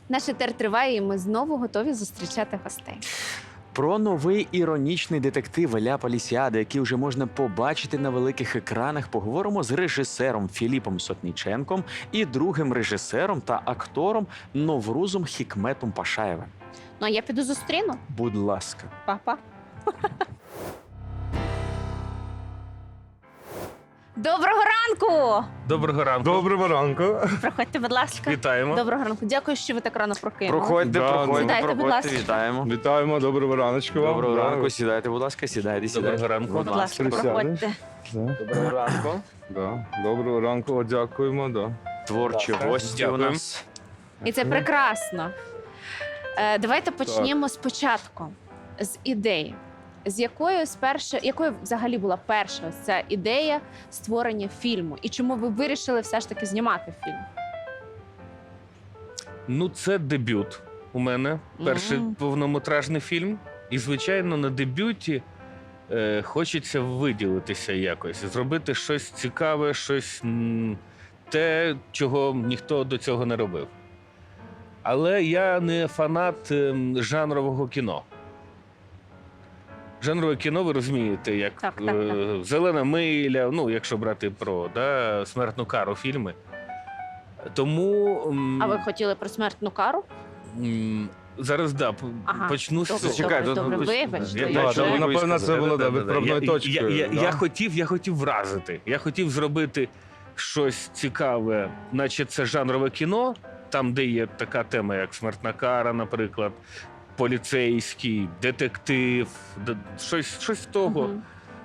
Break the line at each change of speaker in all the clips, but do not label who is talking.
Наш етер триває, і ми знову готові зустрічати гостей.
Про новий іронічний детектив Ля Полісіада, який вже можна побачити на великих екранах, поговоримо з режисером Філіпом Сотніченком і другим режисером та актором Новрузом Хікметом Пашаєвим.
Ну, а я піду зустріну.
Будь ласка.
Па-па. Доброго ранку!
Доброго ранку.
Доброго ранку.
Проходьте, будь ласка.
Вітаємо.
Доброго ранку. Дякую, що ви так рано прокинули.
Проходьте,
Да,
проходьте,
Сідайте, будь
проходьте,
ласка.
вітаємо.
Вітаємо, доброго раночку вам.
Доброго
Да.
ранку, сідайте, будь ласка, сідайте, сідайте.
Доброго ранку.
Будь ласка,
Присядеш.
проходьте.
Да.
Доброго ранку.
Да. Доброго ранку, О, дякуємо. Да.
Творчі
Так,
гості у
дякую.
нас.
І це прекрасно. Давайте почнемо спочатку, з ідеї. Якою взагалі була перша ось ця ідея створення фільму? І чому ви вирішили все ж таки знімати фільм?
Ну, це дебют у мене. Перший
Мгм.
повнометражний фільм. І, звичайно, на дебюті хочеться виділитися якось, зробити щось цікаве, щось те, чого ніхто до цього не робив. Але я не фанат жанрового кіно. Жанрове кіно, ви розумієте, як
Так.
«Зелена миля», ну, якщо брати про смертну кару фільми. Тому
А ви хотіли про смертну кару?
зараз
Ага,
почну з
добре,
цього.
Зачекай,
добре,
тут-
вибачте.
Я-
Да,
я-
да,
я-
напевно, це було відправною точкою.
Я хотів вразити. Я хотів зробити щось цікаве, наче це жанрове кіно, там, де є така тема, як смертна кара, наприклад, поліцейський, детектив, щось з того.
Мгм.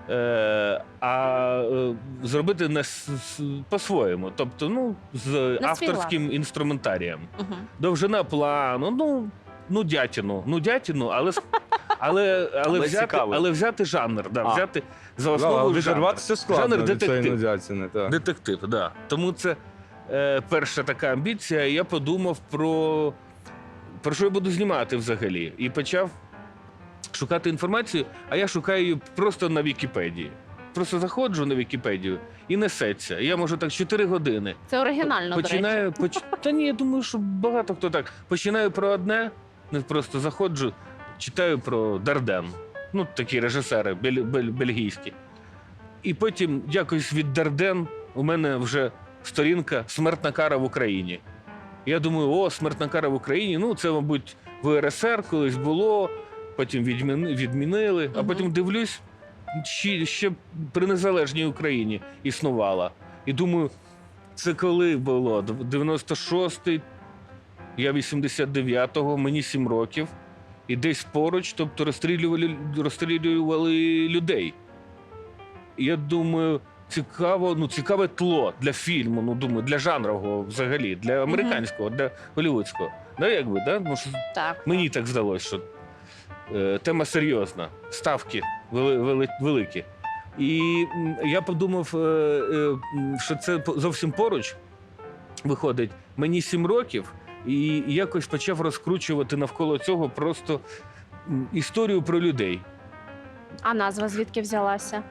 Зробити по-своєму, тобто, ну, з
свій
авторським інструментарієм.
Мгм.
Довжина плану, дятіну,
цікаво.
але взяти жанр,
А.
взяти за
Да,
основу жанр.
відірватися складно
Жанр
від цієї
детектив.
нудятини. Так.
Детектив, да. Тому це перша така амбіція. Я подумав про що я буду знімати взагалі. І почав шукати інформацію, а я шукаю її просто на Вікіпедії. Просто заходжу на Вікіпедію і несеться. Я можу так 4 години.
Це оригінально, до речі.
Та ні, я думаю, що багато хто так. Починаю про одне, не просто заходжу, читаю про Дарден. Ну, такі режисери бельгійські. І потім якось від Дарден у мене вже сторінка «Смертна кара в Україні». Я думаю, смертна кара в Україні, ну це, мабуть, в РСР колись було, потім відмінили, а
Мгм.
потім дивлюсь, ще при незалежній Україні існувала. І думаю, це коли було? 96-й, я 89-го, мені 7 років. І десь поруч, тобто розстрілювали людей. І я думаю, цікаве тло для фільму, думаю, для жанрового взагалі, для американського, для голлівудського. Ну, що
Так.
мені так здалося, що тема серйозна, ставки великі. І я подумав, що це зовсім поруч виходить. Мені 7 років, і якось почав розкручувати навколо цього просто історію про людей.
А назва звідки взялася?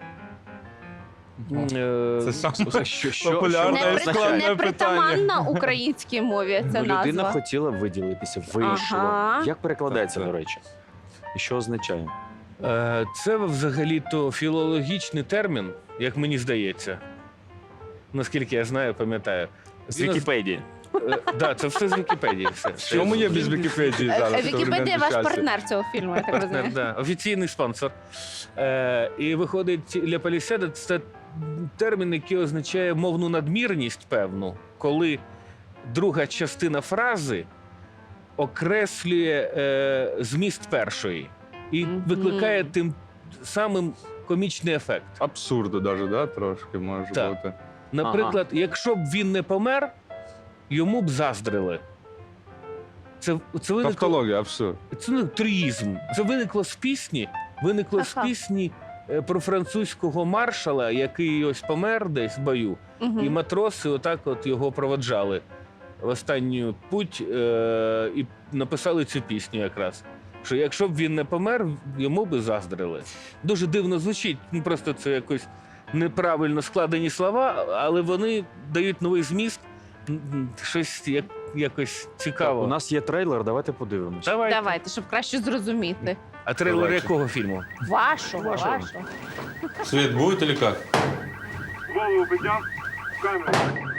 Це саме
Що
популярне
Не,
і складне
не притаманна
питання.
українській мові ця
людина
назва.
хотіла виділитися, вийшло.
Ага.
Як перекладається,
Так,
до
так.
речі? І що означає?
Це взагалі-то філологічний термін, як мені здається. Наскільки я знаю, пам'ятаю.
З Вікіпедії.
Так, це все з Вікіпедії.
В чому є без Вікіпедії зараз? в
Вікіпедія
современному
ваш
часі?
партнер цього фільму, я так
Партнер,
розумію.
да, офіційний спонсор. І виходить, Ля Полісіада – це термін, який означає мовну надмірність певну, коли друга частина фрази окреслює зміст першої і
Мгм.
викликає тим самим комічний ефект.
Абсурду навіть, да? Трошки може
Так.
бути.
Наприклад, якщо б він не помер, йому б заздрили. Це виникло,
Тавтологія, абсурд.
це не тріїзм. Це виникло з пісні. Виникло з
Ага.
пісні про французького маршала, який ось помер десь в бою,
Мгм.
і матроси отак от його проводжали в останню путь і написали цю пісню якраз. Що якщо б він не помер, йому би заздрили. Дуже дивно звучить, просто це якось неправильно складені слова, але вони дають новий зміст, щось як якось
Так,
цікаво.
у нас є трейлер, давайте подивимося.
Давайте, щоб краще зрозуміти.
А трейлер
Давайте.
якого фільму?
Вашого.
Свет будет или как?
Голову поднял, камеру.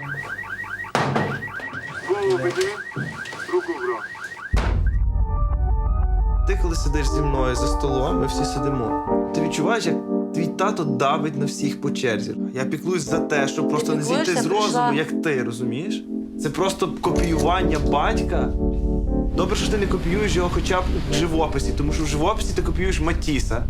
Голову подними, руку в рот.
Ти коли сидиш зі мною за столом, ми всі сидимо. Ти відчуваєш, як твій тато давить на всіх по черзі. Я піклуюсь за те, щоб просто не зійти з розуму, як ти, розумієш? Це просто копіювання батька. Добре, що ти не копіюєш його хоча б в живописі, тому що в живописі ти копіюєш Матіса.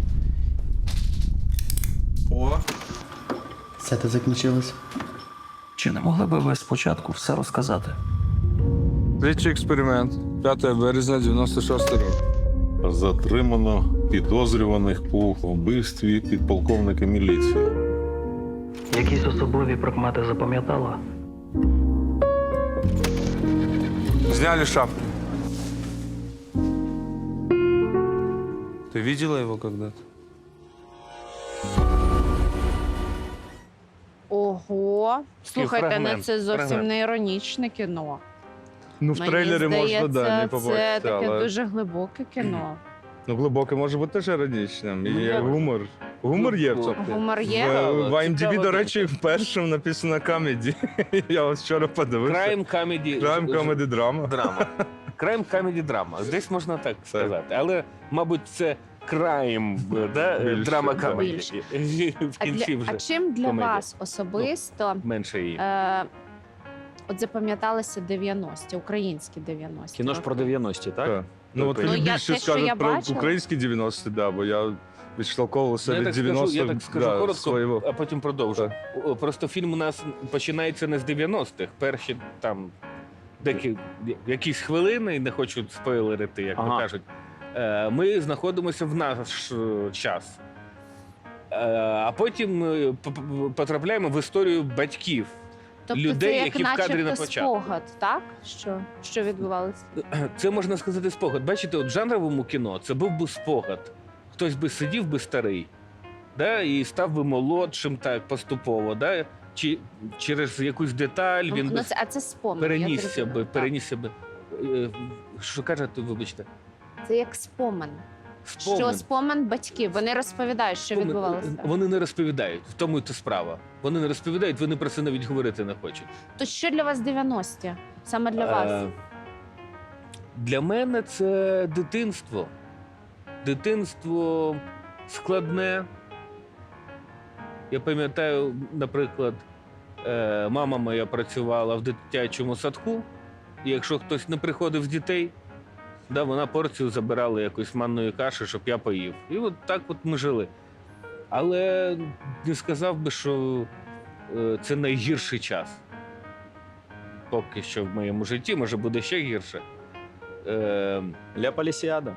О,
Все це закінчилось.
Чи не могли би ви спочатку все розказати?
Слідчий експеримент. 5 березня 96 року.
Затримано підозрюваних по вбивстві підполковника міліції.
Якісь особливі прикмети запам'ятала?
зняли шапку. Ты видела его когда-то?
Ого. Слухайте,
фрагмент,
це зовсім
фрагмент.
не іронічне кіно.
Ну, в
Мені
трейлері
здається,
можна, да, не
це
побачити,
таке
але...
дуже глибоке кіно.
Ну, глибоке може бути теж іронічним. І
Ну,
є
так.
гумор. Гумор є в цьому.
Гумор є?
В IMDb,
Цікаво.
до речі, першим написано комеді. Я ось вчора подивився.
Crime comedy.
Crime comedy драма.
Драма. Crime comedy драма. Десь можна так сказати. Але, мабуть, це crime, да?
Більше,
драма
да.
comedy. В
А,
кінці
а
вже
чим для
комедія.
вас особисто
менше її.
от запам'яталися 90-ті, українські 90-ті?
Кіно ж про 90-ті, так?
Так. Ну, от
Ну,
він
я-
більше
те, що я
скаже про
бачила.
українські 90-ті, да, бо я відштовховувався
Ну, я
від
так скажу,
90-х.
я так скажу
да,
коротко,
свого.
а потім продовжу. Просто фільм у нас починається не з 90-х. Перші там якісь хвилини, не хочу спойлерити, як то
Ага.
кажуть. Ми знаходимося в наш час. А потім ми потрапляємо в історію батьків.
Тобто
людей,
це як
які в кадрі на
начебто
початку.
спогад, так? Що відбувалося?
Це можна сказати спогад. Бачите, от в жанровому кіно це був би спогад. Хтось би сидів би старий, да, і став би молодшим так поступово, да, чи через якусь деталь він би
А це спомин.
перенісся би. Що кажете, вибачте?
Це як спомин. Що спомин батьків. Вони розповідають, що
Спомин.
відбувалося.
Вони не розповідають, в тому і то справа. Вони не розповідають, вони про це навіть говорити не хочуть.
То що для вас 90-ті? Саме для вас?
Для мене це дитинство. Дитинство складне. Я пам'ятаю, наприклад, мама моя працювала в дитячому садку, і якщо хтось не приходив з дітей, да, вона порцію забирала якоїсь манної каші, щоб я поїв. І от так от ми жили. Але не сказав би, що це найгірший час. Поки що в моєму житті, може буде ще гірше.
Ля Полісіада.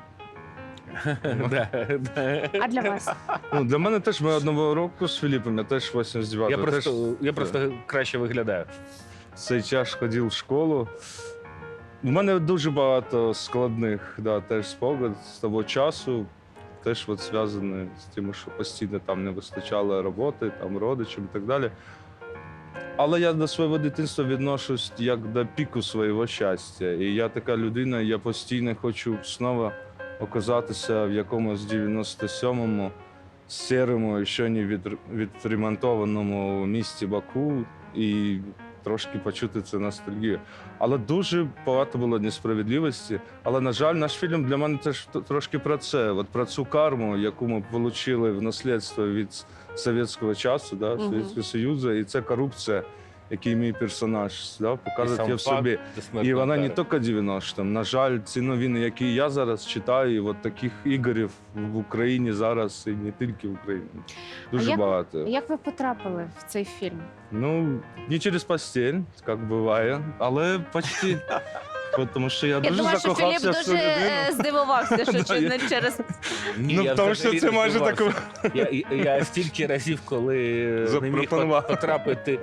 Да, да.
А для вас?
Ну, для мене теж ми одного року з Філіпом, я теж 89-го.
Я просто краще виглядаю.
В цей час ходив в школу. У мене дуже багато складних, да, теж спогад з того часу. Теж от зв'язані з тим, що постійно там не вистачало роботи, там родичів і так далі. Але я до свого дитинства відношусь як до піку свого щастя. І я така людина, я постійно хочу знову оказатися в якомусь 97-му сірому, ще не відремонтованому місті Баку і трошки почути цю ностальгію. Але дуже багато було несправедливості. Але, на жаль, наш фільм для мене теж трошки про це. От про цю карму, яку ми отримали в наслідство від совєтського часу, да, Совєтського Союзу, і це корупція, який мій персонаж да, показує в собі. І вона не тільки 90-м. На жаль, ці новини, які я зараз читаю, і от таких ігорів в Україні зараз, і не тільки в Україні. Дуже багато.
Як ви потрапили в цей фільм?
Ну, не через постель, як буває, але почти. Тому що я
Я
дуже
думаю, що Філіп
закохався в цю
дуже
людину.
здивувався, що
Да,
не через...
Ну, тому що це майже таке.
Я стільки разів, коли не міг
Запропонував.
потрапити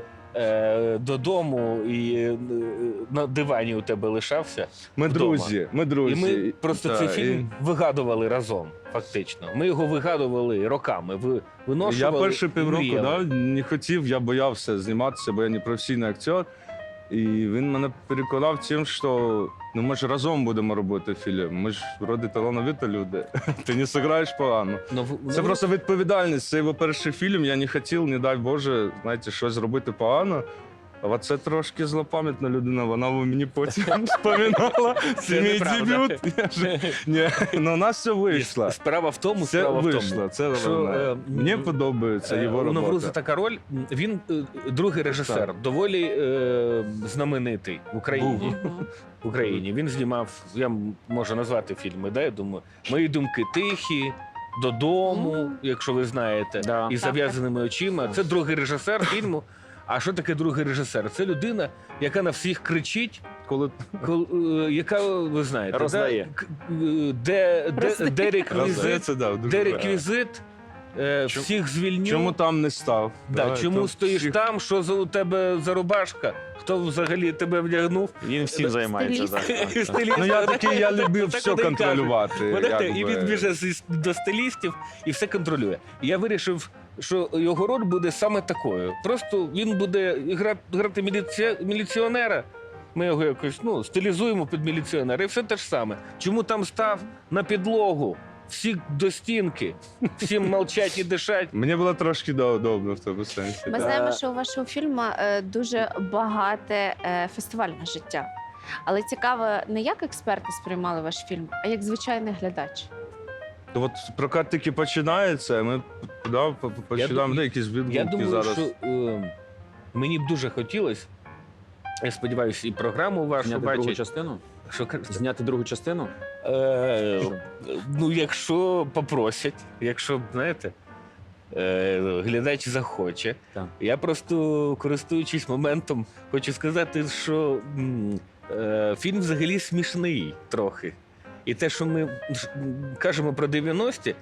додому і на дивані у тебе лишався.
Ми
вдома.
друзі, ми друзі.
І ми просто
Да,
цей
і
фільм вигадували разом, фактично. Ми його вигадували роками,
Я
виношували.
перші півроку
мріяли.
не хотів, я боявся зніматися, бо я не професійний актер. І він мене переконав тим, що ну, ми ж разом будемо робити фільм. Ми ж вроді талановиті люди. Ти не зіграєш погано. Це просто відповідальність. Це його перший фільм. Я не хотів, не дай Боже, знаєте, щось зробити погано. А це трошки злопам'ятна людина, вона мені потім вспоминала. Це мій дебют. Ні, ну у нас все вийшло.
Справа в тому,
Це вийшло, це
що,
головне. Мені подобається його
у
робота.
Навруза така роль. Він другий режисер, доволі знаменитий в Україні. В Україні. Він знімав, я можу назвати фільми, да, я думаю, «Мої думки тихі», «Додому», якщо ви знаєте,
Да.
із зав'язаними очима. Це другий режисер фільму. А що таке другий режисер? Це людина, яка на всіх кричить, яка, ви знаєте,
Роздає.
де реквізит,
Це, да, дуже
де
правильно.
реквізит, всіх звільню.
Чому там не став?
Да, чому
то
стоїш
всіх-
там, що у тебе за рубашка, хто взагалі тебе вдягнув?
Він всім займається.
Стиліст.
Так.
Ну я такий, я любив
Так
все
вони й кажуть.
контролювати.
Бачите, і
якби.
він біже до стилістів і все контролює. І я вирішив, що його роль буде саме такою. Просто він буде грати міліціонера. Ми його якось стилізуємо під міліціонера. І все те ж саме. Чому там став на підлогу? Всі до стінки, всім мовчать і дишать.
Мені було трошки удобно в тому сенсі.
Ми знаємо, що у вашого фільму дуже багате фестивальне життя. Але цікаво, не як експерти сприймали ваш фільм, а як звичайний глядач.
То от прокат тільки починається, ми починаємо якісь
Я
відгуки
думаю,
зараз.
що мені б дуже хотілося, я сподіваюся, і програму вашу
Зняти другу
бачить.
частину?
Що,
Зняти другу частину?
ну, якщо попросять, якщо, знаєте, глядач захоче.
Так.
Я просто, користуючись моментом, хочу сказати, що фільм взагалі смішний трохи. І те, що ми кажемо про 90-ті,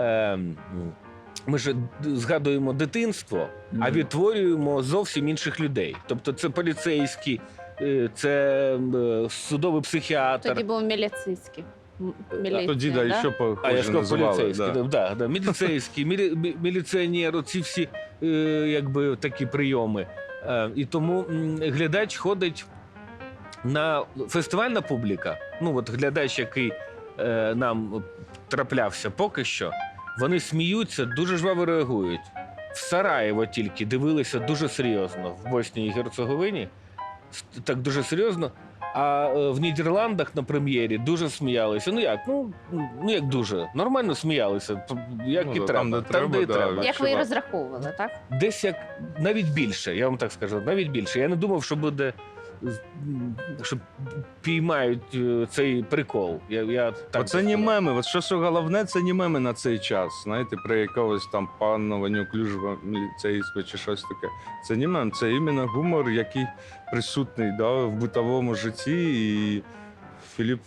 ми ж згадуємо дитинство, а відтворюємо зовсім інших людей. Тобто це поліцейські, це судовий психіатр.
Тоді був міліцейський.
Тоді
да?
ще
А я
похоже
сказав
називали.
поліцейський, да, міліцейський, міліціонер, оці всі якби такі прийоми. І тому глядач ходить на фестивальна публіка. Ну от глядач, який нам траплявся поки що, вони сміються, дуже жваво реагують. В Сараєво тільки дивилися дуже серйозно, в Боснії і Герцеговині, так дуже серйозно. А в Нідерландах на прем'єрі дуже сміялися. Ну як дуже? Нормально сміялися, як
Ну,
і
да,
треба.
там, де
Там, де і
треба, да.
треба.
Як ви і розраховували, так?
Десь як навіть більше, я вам так скажу, навіть більше. Я не думав, що буде, що піймають цей прикол. Я так
Оце
би
не
сказав.
меми. От що головне, це не меми на цей час. Знаєте, про якогось там панного неуклюжого міліцейського чи щось таке. Це не мем, це іменно гумор, який присутній в битовому житті. І Філіп,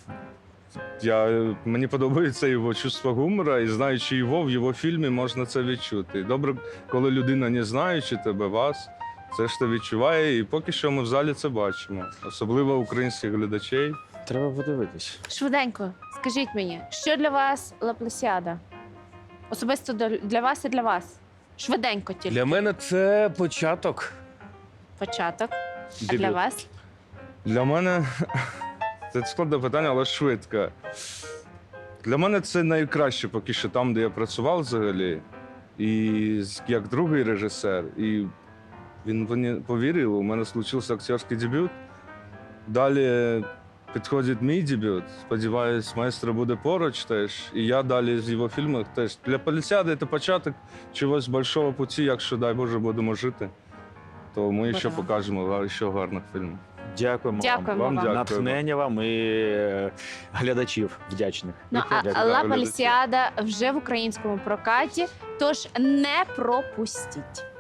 мені подобається його чувство гумора, і знаючи його, в його фільмі можна це відчути. Добре, коли людина, не знаючи тебе, вас, це ж ти відчуває, і поки що ми в залі це бачимо. Особливо українських глядачей.
Треба подивитись.
Швиденько, скажіть мені, що для вас Лаплесіада? Особисто для вас і для вас. Швиденько тільки.
Для мене це початок.
Початок. А
Дебют.
для вас?
Для мене це складне питання, але швидко. Для мене це найкраще поки що там, де я працював взагалі. І як другий режисер. І він повірив, у мене случився акторський дебют. Далі підходить мій дебют. Сподіваюсь, майстер буде поруч теж. І я далі з його фільмів теж. Для Полісіади це початок чогось большого путі, якщо, дай Боже, будемо жити. То ми ще
Браво.
покажемо ще гарних фільмів.
Дякуємо
Дякуємо
вам.
вам.
Дякую.
Натхнення вам і глядачів вдячних.
Ну, а
Дякую.
Ла Полісіада вже в українському прокаті, тож не пропустіть.